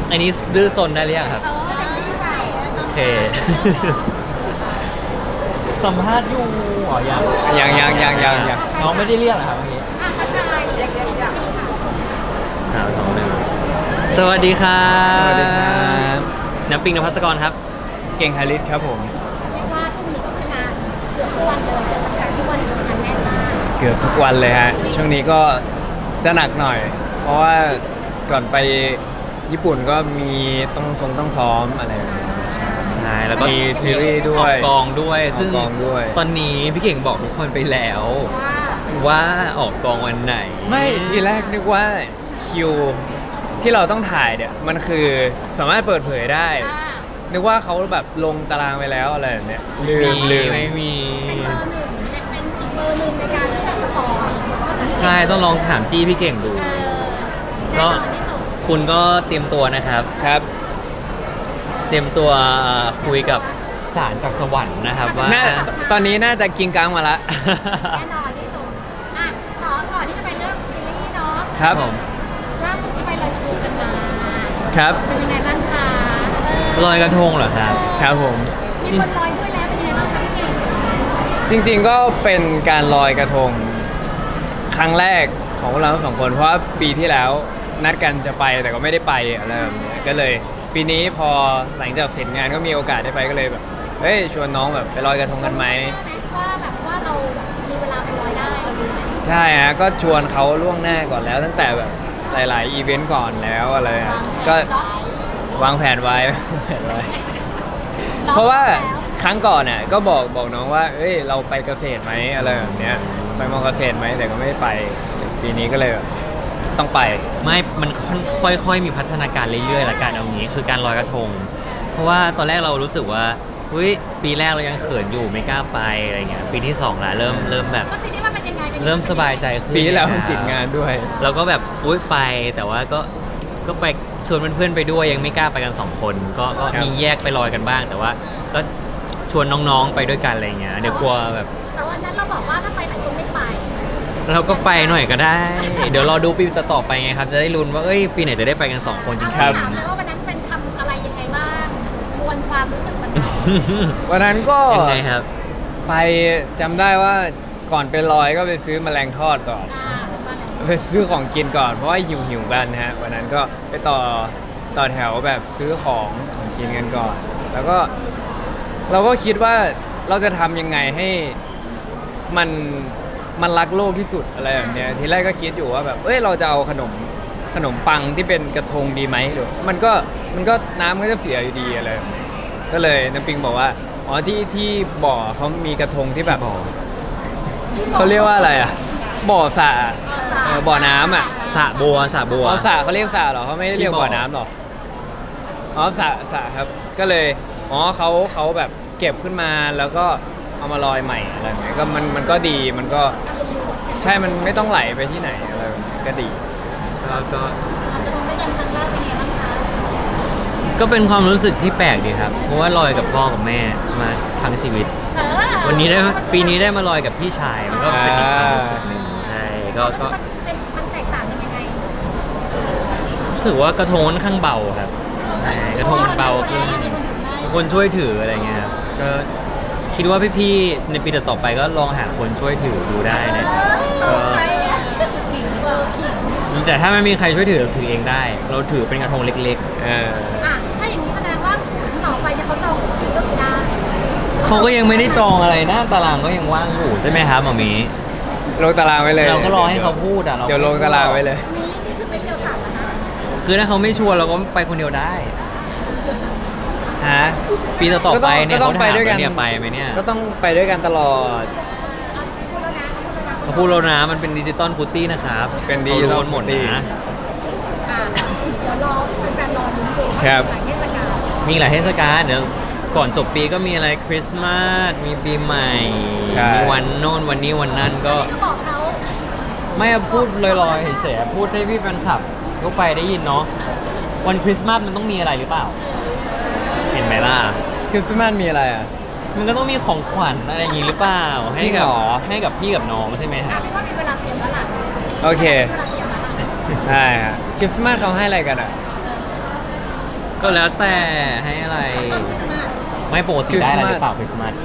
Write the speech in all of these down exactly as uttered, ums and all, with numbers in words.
อันนี้ดื้อซนได้หรือยังครับเออแต่ไม่ดีใจโอเค สัมภาษณ์อยู่อ๋อยังยังยังยังยังยังน้องไม่ได้เรียกเหรอครับเมื่อกี้อ่ะทักทายเรียกเรียกเรียกหาสองหนึ่งสวัสดีครับสวัสดีครับน้ำปิงนภัสกรครับเก่งฮาริสครับผมเรียกว่าช่วงนี้ก็ทำงานเกือบทุกวันเลยเจอแฟนๆทุกวันเลยงานแน่นมากเกือบทุกวันเลยฮะช่วงนี้ก็จะหนักหน่อย เพราะว่าก่อนไปญี่ปุ่นก็มีต้องทรงต้องซ้อมอะไรแบบนี้ใช่ใช่แล้วก็มีซีรีส์ด้วอย อกกองด้วยออกซึ่งกองด้วยตอนนี้พี่เก่งบอกทุกคนไปแล้วว่าว่าออกกองวันไหนไม่ทีแรกนึกว่าคิวที่เราต้องถ่ายเนี่ยมันคือสามารถเปิดเผยได้อ่านึกว่าเขาแบบลงตารางไปแล้วอะไรแบบเนี้ยลืมีมลืมไม่มีเป็นเบอร์หนึ่งเป็นอีกเบอร์หนึ่งในการที่จะสปอร์ตก็คือพี่เก่ใช่ต้องลองถามจี้พี่เก่งดูเออก็แน่นอนที่สุดคุณก็เตรียมตัวนะครับครับเตรียมตัวคุยกับสารจากสวรรค์นะครับว่าน่าตอนนี้น่าจะกินกลางมาละแน่นอนที่สุดอ่ะขอก่อนที่จะไปเรื่องซีรีส์เนาะครับผมล่าสุดที่ไปลอยกระทงกันมาครับเป็นยังไงบ้างคะเออลอยกระทงเหรอครับครับผมมีคนลอยด้วยแล้วเป็นยังไงบ้างคะพี่เก่งจริงๆก็เป็นการลอยกระทงครั้งแรกของพวกเราทั้งสองคนเพราะว่าปีที่แล้วนัดกันจะไปแต่ก็ไม่ได้ไปอะไรแบบเนี้ยก็เลยปีนี้พอหลังจากเสร็จงานก็มีโอกาสได้ไปก็เลยแบบเฮ้ยชวนน้องแบบไปลอยกระทงกันไหมว่าแบบว่าเราแบบมีเวลาไปลอยได้เราดูไหมใช่ฮะก็ชวนเขาล่วงหน้าก่อนแล้วตั้งแต่แบบหลายๆอีเวนต์ก่อนแล้วอะไรอะก็วางแผนไว้ วางแผนไว้ เพราะว่าครั้งก่อนน่ะก็บอกบอกน้องว่า เอ้ยเราไปเกษตรไหมอะไรแบบเนี้ยไปมอเกษตรไหมแต่ก็ไม่ไปปีนี้ก็เลยแบบต้องไปไม่ มันค่อยๆ มีพัฒนาการเรื่อยๆละกันเอางี้ คือการลอยกระทง เพราะว่าตอนแรกเรารู้สึกว่าเฮ้ย ปีแรกเรายังเขินอยู่ไม่กล้าไปอะไรเงี้ย ปีที่สองละเริ่มเริ่มแบบแล้วปีนี้มันเป็นยังไงป็นยังไงเริ่มสบายใจขึ้นปีที่แล้วติดงานด้วยเราก็แบบอุ้ยไป แต่ว่าก็ ก็ไปชวนเพื่อนๆไปด้วยยังไม่กล้าไปกันสองคน ก็ก็ครับมีแยกไปลอยกันบ้าง แต่ว่าก็ชวนน้องๆ ไปด้วยกันอะไรเงี้ย เดี๋ยวกลัวแบบแต่วันนั้นเราบอกว่าถ้าไปหลายคนไม่ไปเราก็ไปหน่อยก็ได้ เดี๋ยวรอดูปีต่อๆไปไงครับ จะได้ลุ้นว่า เอ้ย ปีไหนจะได้ไปกันสองคนจริเอางถามเลยว่าวันนั้นเป็นทำอะไรยังไงบ้างมวลความรู้สึกมันๆวันนั้นก็ยังไงครับไปจำได้ว่าก่อนไปลอยก็ไปซื้อแมลงทอดก่อนอ่าสมบัติอะไรไปซื้อของกินก่อนเพราะว่าหิวหิวๆกันนะฮะวันนั้นก็ไปต่อต่อแถวแบบซื้อของของกินกันก่อน แล้วก็เราก็คิดว่าเราจะทำยังไงให้มันมันรักโลกที่สุดอะไรแบบเนี้ยทีแรกก็คิดอยู่ว่าแบบเอ้ยเราจะเอาขนมขนมปังที่เป็นกระทงดีไหมหรือมันก็มันก็น้ำก็จะเสียอยู่ดีอะไรแบบนี้ก็เลยน้ำปิงบอกว่าอ๋อที่ที่บ่อเขามีกระทงที่แบบเขาเรียกว่าอะไรอ่ะบ่อสระเออบ่อน้ำอ่ะสระบัวสระบัวอ๋อสระเขาเรียกสระเหรอเขาไม่ได้เรียกที่บ่อบ่อน้ำหรออ๋อสระสระครับ ก็เลยอ๋อเขาเขาแบบเก็บขึ้นมาแล้วก็เอามาลอยใหม่อะไรแบบนี้ก็มันมันก็ดีมันก็ใช่มันไม่ต้องไหลไปที่ไหนอะไรแบบนี้ก็ดีก็ก็เราจะลงด้วยกันครั้งแรกเป็นยังไงบ้างคะก็เป็นความรู้สึกที่แปลกดีครับ เพราะว่าลอยกับพ่อกับแม่มาทั้งชีวิตเออวันนี้ได้ปีนี้ได้มาลอยกับพี่ชายมันก็เป็นอีกความรู้สึกหนึ่งใช่ก็ก็มันเป็นมันแตกต่างกันยังไงรู้สึกว่ากระทงค่อนข้างเบาครับใช่กระทงมันเบาขึ้นมีคนถือได้มีคนช่วยถืออะไรเงี้ยครับก็คิดว่าพี่ๆในปีต่อๆไปก็ลองหาคนช่วยถือดูได้นะครับก็ใครอ่ะผิงเบอร์ผิงแต่ถ้าไม่มีใครช่วยถือเราถือเองได้ เราถือเป็นกระทงเล็กเอออ่ะถ้าอย่างนี้แสดงว่าต่อไปเนี่ยเขาจองคิวก็คือได้ๆเขาก็ยังไม่ได้จองอะไรหน้าตารางก็ยังว่างอยู่ใช่ไหมครับหมอหมีลงตารางไว้เลยเราก็รอให้เขาพูดอ่ะเดี๋ยวลงตารางไว้เลยนี้นี่คือเป็นเที่ยวสัตว์แล้วนะคือถ้าเขาไม่ชวนเราก็ไปคนเดียวได้ฮะปีต่อๆไปเนี่ยก็ต้องเขาไปถามด้วยกันว่าเนี่ยไปไหมเนี่ยก็ต้องไปด้วยกันตลอดเอาพูดแล้วนะเขาพูดแล้วนะเขาพูดแล้วนะมันเป็นดิจิตอลฟุตตี้นะครับเป็น Digital ขารู้หมด Footy นะอ่ะเดี๋ยวรอแฟนๆรอลุ้นดูว่าครับหลายเทศกาลมีหลายเทศกาลเดี๋ยวก่อนจบปีก็มีอะไรคริสต์มาสมีปีใหม่ใช่มีวันโน่นวันนี้วันนั้นก็ก็บอกเขาไม่พูดลอยๆเฉยๆพูดให้พี่แฟนคลับก็ไปได้ยินเนาะวันคริสต์มาสมันต้องมีอะไรหรือเปล่า เห็นไหมล่ะคริสต์มาสมีอะไรอ่ะมันก็ต้องมีของขวัญอะไรอย่างงี้หรือเปล่าจริให้งกัเหรอให้กับพี่กับน้องใช่ไหมอ่ะฮะไม่ว่ามีเวลาเตรียมแล้วล่ะโอเคมีเวลาเตรียมแล้วล่ะได้ฮะคริสต์มาสเขาให้อะไรกันอ่ะเก็แล้วแต่ให้อะไร ไม่ปกติได้อะไรหรือเปล่าคริสต์มาส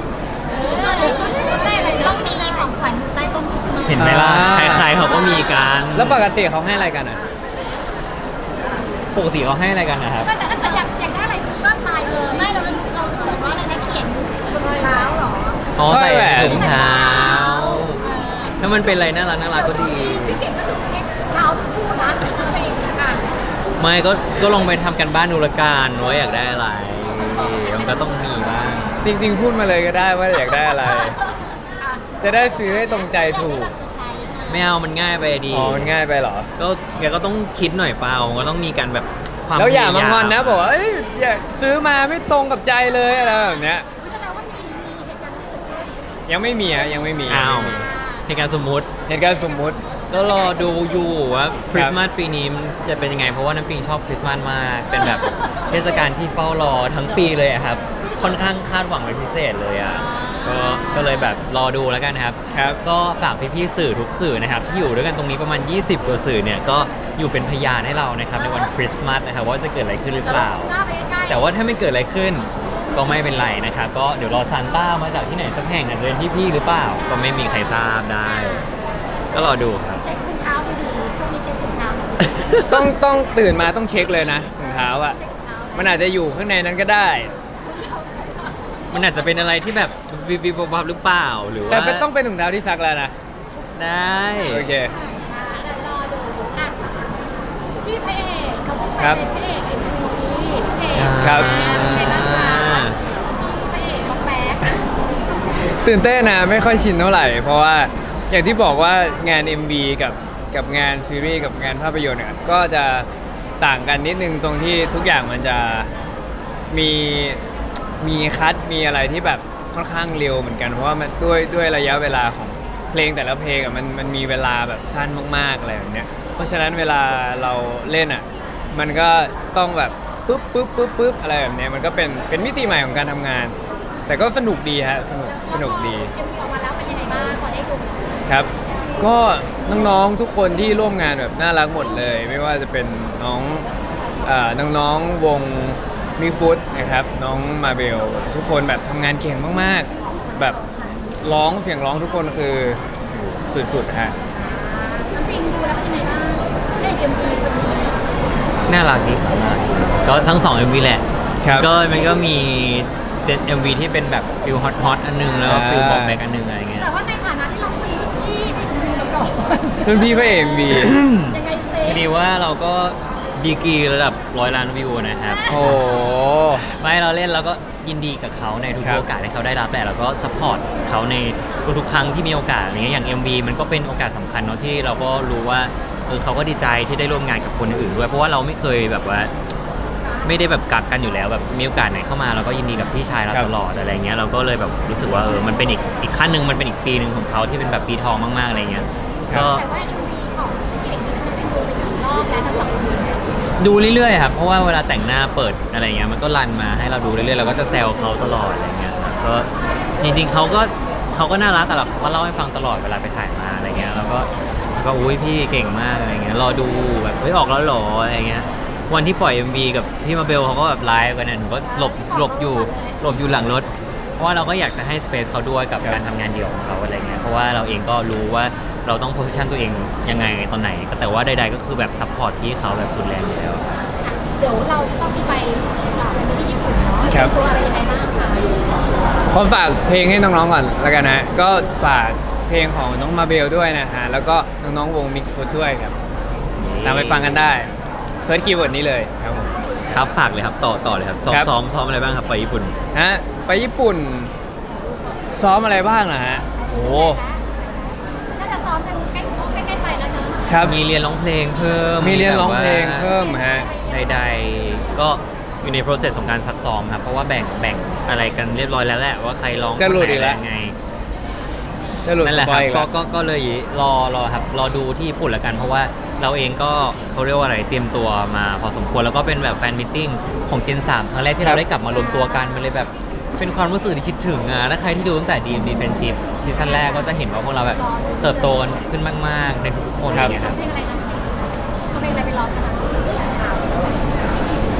ได้อะไรต้องมีของขวัญอยู่ใต้ต้นคริสต์มาสเห็นไหมล่ะอ่าใครๆเขาก็มีกันแล้วปกติเขาให้อะไรกันอ่ะปกติเขาให้อะไรกันนะครับไม่แต่ถ้าเกิดอยากอยากได้อะไรก็ไลน์เลยไม่เราเราเขียนว่าอะไรนะเขียนบนรอยเท้าเหรออ๋อสร้อยใส่แหวนถุงเท้าเออถ้ามันเป็นอะไรน่ารักน่ารักก็ดีพี่เก่งก็คือเช็คเท้าทุกคู่นะเองอ่ะไม่ก็ก็ลองไปทำกันบ้านดูละกันว่าอยากได้อะไรมันก็ต้องมีบ้างจริงๆพูดมาเลยก็ได้ว่าอยากได้อะไร จะได้ซื้อให้ตรงใจถูกไม่เอามันง่ายไปดีอ๋อมันง่ายไปเหรอก็แกก็ต้องคิดหน่อยเปล่าก็ต้องมีการแบบความแล้วอย่ามายพงอนนะบอกว่าเอ้ยอย่าซื้อมาไม่ตรงกับใจเลยอะไรแบบเนี้ยแสดงว่ามีมีเหตุการณ์นั้นเกิดขึ้นยังไม่มีฮะยังไม่มีอ้าวยังไม่มีในการสมมุติเหตุการณ์สมมุติก็รอดูอยู่ว่าคริสต์มาสปีนี้จะเป็นยังไง เพราะว่าน้ำปิงชอบคริสต์มาสมาก เป็นแบบเทศกาลที่เฝ้ารอทั้งปีเลยอะครับ ค่อนข้างคาดหวังเป็นพิเศษเลยอ่ะก็ก็เลยแบบรอดูแล้วกันครับครับก็ฝากพี่ๆสื่อทุกสื่อนะครับ ที่อยู่ด้วยกันตรงนี้ประมาณ ยี่สิบกว่าสื่อเนี่ยก็อยู่เป็นพยานให้เรานะครับในวันคริสต์มาสนะครับว่าจะเกิดอะไรขึ้นหรือเปล่าหน้าไปใกล้ๆแต่ว่าถ้าไม่เกิดอะไรขึ้นก็ไม่เป็นไรนะครับก็เดี๋ยวรอซานต้ามาจากที่ไหนสักแห่งอาจจะเป็นพี่ๆหรือเปล่า ก็ไม่มีใครทราบได้ ก็รอดูครับเช็คถุงเท้าไปดีช่วงนี้เช็คถุงเท้าหน่อยต้องต้องตื่นมาต้องเช็คเลยนะถุงเท้าอ่ะเช็คถุงเท้ามันอาจจะอยู่ข้างในนั้นก็ได้มันอาจจะเป็นอะไรที่แบบวิบวิบวับๆหรือเปล่าหรือว่าแต่เป็นต้องเป็นถุงเท้าที่ซักแล้วนะได้โอเคอ่าเดี๋ยวรอดูอ่ะพี่พระเอกเขาเพิ่งไปครับเป็นพระเอกเอ็มวีพี่เก่งครับเป็นไงบ้างคะพระเอกน้องแบ๊กตื่นเต้นนะไม่ค่อยชินเท่าไหร่ เพราะว่าอย่างที่บอกว่างาน เอ็ม วี กับกับงานซีรีส์กับงานภาพยนตร์เนี่ยก็จะต่างกันนิดนึงตรงที่ทุกอย่างมันจะมีมีคัดมีอะไรที่แบบค่อนข้างเร็วเหมือนกันเพราะว่ามันด้วยด้วยระยะเวลาของเพลงแต่ละเพลงอ่ะมันมันมีเวลาแบบสั้นมากๆอะไรแบบเนี้ยเพราะฉะนั้นเวลาเราเล่นอ่ะมันก็ต้องแบบปุ๊บปุ๊บปุ๊บปุ๊บอะไรแบบเนี้ยมันก็เป็นเป็นมิติใหม่ของการทำงาน แต่ก็สนุกดีฮะสนุกสนุกดีเอ็มวีออกมาแล้วเป็นยังไงบ้างพอได้ดูครับ ก็น้องๆ ทุกคนที่ร่วมงานแบบน่ารักหมดเลย ไม่ว่าจะเป็นน้องเอ่อน้องๆ วงมิฟุตนะครับ น้องมาเบล ทุกคนแบบทำงานเก่งมากๆ แบบร้องเสียงร้องทุกคนคือสุดๆ ฮะน้ำปิงดูแล้วเป็นยังไงบ้างพระเอกเอ็มวีคนนี้น่ารักดีครับน่ารักดีก็ทั้งสอง เอ็ม วี แหละครับก็มันก็มีเป็น เอ็ม วี ที่เป็นแบบฟิลฮอตฮอตอันหนึงแล้วก็อ่าฟิลบอกแบกอันหนึงอะไรเงี้ยแต่ว่าในฐานะที่เราคุยกับพี่ในเอ็มวีมาก่อนรุ่นพี่พระเอ็มวียังไงเซพอดีว่าเราก็ดีกรีระดับร้อยล้านวิวนะครับโอ้โหไม่เราเล่นเราก็ยินดีกับเขาในทุกครับโอกาสที่เขาได้รับแหละแล้วก็ซัพพอร์ตเขาในทุกๆครั้งที่มีโอกาสอะไรเงี้ยอย่าง เอ็ม วี มันก็เป็นโอกาสสำคัญเนาะที่เราก็รู้ว่าเออเขาก็ดีใจที่ได้ร่วมงานกับคนอื่นด้วยเพราะว่าเราไม่เคยแบบว่า ไม่ได้แบบกักกันอยู่แล้วแบบมีโอกาสไหนเข้ามาเราก็ยินดีกับพี่ชายเราครับตลอดอะไรเงี้ยเราก็เลยแบบรู้สึกว่าเออมันเป็นอีกอีกขั้นหนึ่งมันเป็นอีกปีหนึ่งของเขาที่เป็นแบบปีทองมากๆอะไรเงี้ยก็แต่ว่าเอ็มวีของพี่เอกนี่มันจะเป็นดูเป็นกี่รอบแล้วทั้งสองเอ็มวีเนี่ยดูเรื่อยๆครับเพราะว่าเวลาแต่งหน้าเปิดอะไรเงี้ยมันก็รันมาให้เราดูเรื่อยๆเราก็จะแซวเขาตลอดอะไรเงี้ยครับก็จริงๆเขาก็เขาก็น่ารักแต่เราเขาก็เล่าให้ฟังตลอดเวลาไปถ่ายมาอะไรเงี้ยแล้วก็ก็อุ้ยพี่เก่งมากอะไรเงี้ยรอดูแบบเฮ้ยออกแล้วเหรออะไรเงี้ยวันที่ปล่อย เอ็ม วี กับพี่มาเบลเขาก็แบบไลฟ์กันนะหนูก็หลบหลบอยู่หลบอยู่หลังรถ เพราะว่าเราก็อยากจะให้สเปซเขาด้วยกับครับการทำงานเดี่ยวของเขาอะไรเงี้ยเพราะว่าเราเองก็รู้ว่าเราต้องโพสิชันตัวเองยังไงตอนไหนก็แต่ว่าใดๆก็คือแบบซัพพอร์ตพี่เขาแบบสุดแรงอยู่แล้วเดี๋ยวเราจะต้องมีไปอ่าไปที่ญี่ปุ่นเนาะครับตัวอะไรยังไงบ้างคะขอฝากเพลงให้น้องๆก่อนแล้วกันนะ ก็ฝากเพลงของน้องมาเบลด้วยนะฮะ แล้วก็น้องๆ วงมิกฟุตด้วยครับ ตามไปฟังกันได้เซิร์ชคีย์เวิร์ดนี้เลยครับผมครับฝากเลยครับต่อต่อเลยครับซ้อมครับซ้อมซ้อมอะไรบ้างครับไปญี่ปุ่นฮะไปญี่ปุ่น ซ้อมอะไรบ้างนะฮะ โอ้น่าจะซ้อมกันใกล้ใกล้ๆไปแล้วเนอะครับมีเรียนร้องเพลงเพิ่มมีเรียนร้องเพลงแบบว่าเพิ่มฮะใดๆก็อยู่ใน process ของการซักซ้อมครับเพราะว่าแบ่งแบ่งอะไรกันเรียบร้อยแล้วแหละว่าใครร้องจะหลุดคนไหนอีกแล้วอะไรยังไงจะหลุดนั่นแหสละปคอรัยบอีกก็แล้วก็ก็เลยรอรอครับรอดูที่ญี่ปุ่นแล้วกัน เพราะว่าเราเองก็เขาเรียกว่าอะไรเตรียมตัวมาพอสมควรแล้วก็เป็นแบบแฟนมิทติ้งของเจนสามครั้งแรกที่ครัเราบได้กลับมารวมตัวกันมันเลยแบบเป็นความรู้สึกที่คิดถึงอ่ะถ้าใครที่ดูตั้งแต่ ดี เอ็ม ดี Friendship ซีซั่นแรกก็จะเห็นว่าพวกเราแบบเติบโตกันขึ้นมากๆในทุกๆคนอะไรอย่างเงี้ยครับเพลงอะไรนะเอาเพลงอะไรไปร้องกันนะ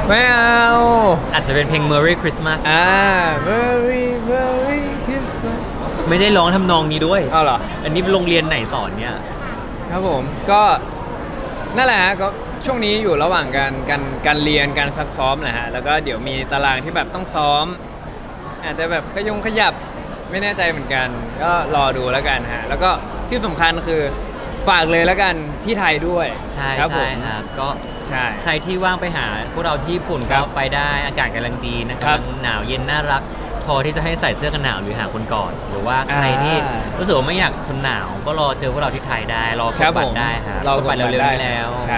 ไม่เอาอาจจะเป็นเพลง Merry Christmas อ่า Merry Merry Christmas ไม่ได้ร้องทำนองนี้ด้วยเอาเหรออันนี้เป็นโรงเรียนไหนสอนเนี่ยครับผมก็นั่นแหละฮะก็ช่วงนี้อยู่ระหว่างการการการเรียนการซักซ้อมแหละฮะแล้วก็เดี๋ยวมีตารางที่แบบต้องซ้อม อาจจะแบบขยงขยับไม่แน่ใจเหมือนกัน ก็รอดูแล้วกันฮะแล้วก็ที่สำคัญคือฝากเลยแล้วกันที่ไทยด้วยใช่ครับผใช่มครับ ก็ใช่ใครที่ว่างไปหาพวกเราที่ญี่ปุ่นครัก็บไปได้อากาศกำลังดีนะครักำบลังหนาวเย็นน่ารัก พอที่จะให้ใส่เสื้อกันหนาวหรือหาคนกอดหรือว่าใครที่อ่ารู้สึกว่าไม่อยากทนหนาว ก็รอเจอพวกเราที่ไทยได้ รอกครัดบบัผตมรได้ครับเรากดบัตรเร็วๆนี้แล้วใช่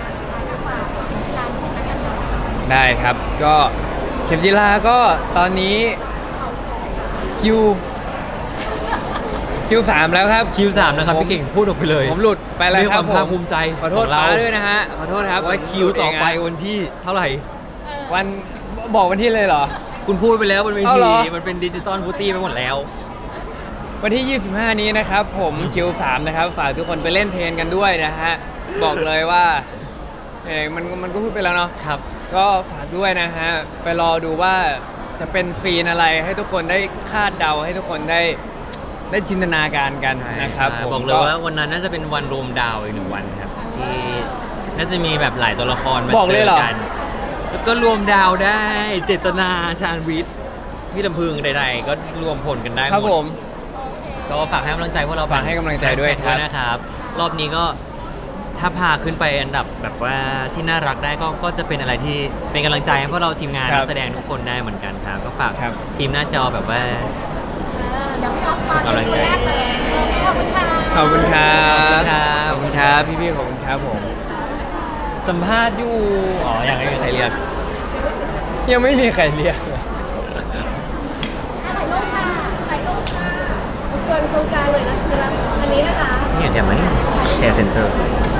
ได้ครับก็เข็มจิลาก็ตอนนี้คิวคิวสามแล้วครับคิวสามนะครับผมพี่เก่งพูดออกไปเลยผมหลุดไปแล้วด้วยคครับ วามภาคผมภูมิใจขอโทษของเราป้าด้วยนะฮะขอโทษครับว่าคิวต่อไปผมหลุดเงวันที่เท่าไหร่อะวันบอกวันที่เลยเหรอคุณพูดไปแล้วบนเวเอาทีเหรอมันเป็นดิจิตอลฟูตี้ไปหมดแล้ววันที่ ยี่สิบห้า นี้นะครับ ผมคิวสามนะครับ ฝากทุกคนไปเล่นเทนกันด้วยนะฮะ บอกเลยว่าเออมันมันก็พูดไปแล้วเนาะครับก็ฝากด้วยนะฮะ ไปรอดูว่าจะเป็นซีนอะไรให้ทุกคนได้คาดเดาให้ทุกคนได้ได้จินตนาการกันนะครับผมบอกเลยว่าวันนั้นน่าจะเป็นวันรวมดาวอีกหนึ่งวันครับ ที่น่าจะมีแบบหลายตัวละครมาบอกเจเลยอเหรอกัน แล้วก็รวมดาวได้ เจตนาชาญวิทย์พี่ลำพึงใดๆ ก็รวมผลกันได้หครับมผดมก็ฝากให้กำลังใจพวกเราฝากให้กำลังใจด้วยแฮชแท็กครับนะครับ รอบนี้ก็ถ้าพาขึ้นไปอันดับแบบว่าที่น่ารักได้ก็ก็จะเป็นอะไรที่เป็นกำลังใจให้พวกเราทีมงานครับนักแสดงทุกคนได้เหมือนกันครับก็ฝากครับทีมหน้าจอแบบว่าเดี๋ยวพี่อ๊อฟตอนเป็นคนแรกเลยขอบคุณค่ะขอบคุณครับขอบคุณครับขอบคุณครับพี่ๆขอบคุณครับผมสัมภาษณ์อยู่อ๋อยังไม่มีใครเรียกยังไม่มีใครเรียกเลยถ่ายรูปค่ะถ่ายรูปค่ะเชิญตรงกลางเลยนะคืออันนี้นะคะเนี่ยเดี๋ยวมานี่แชร์เซ็นเตอร์เ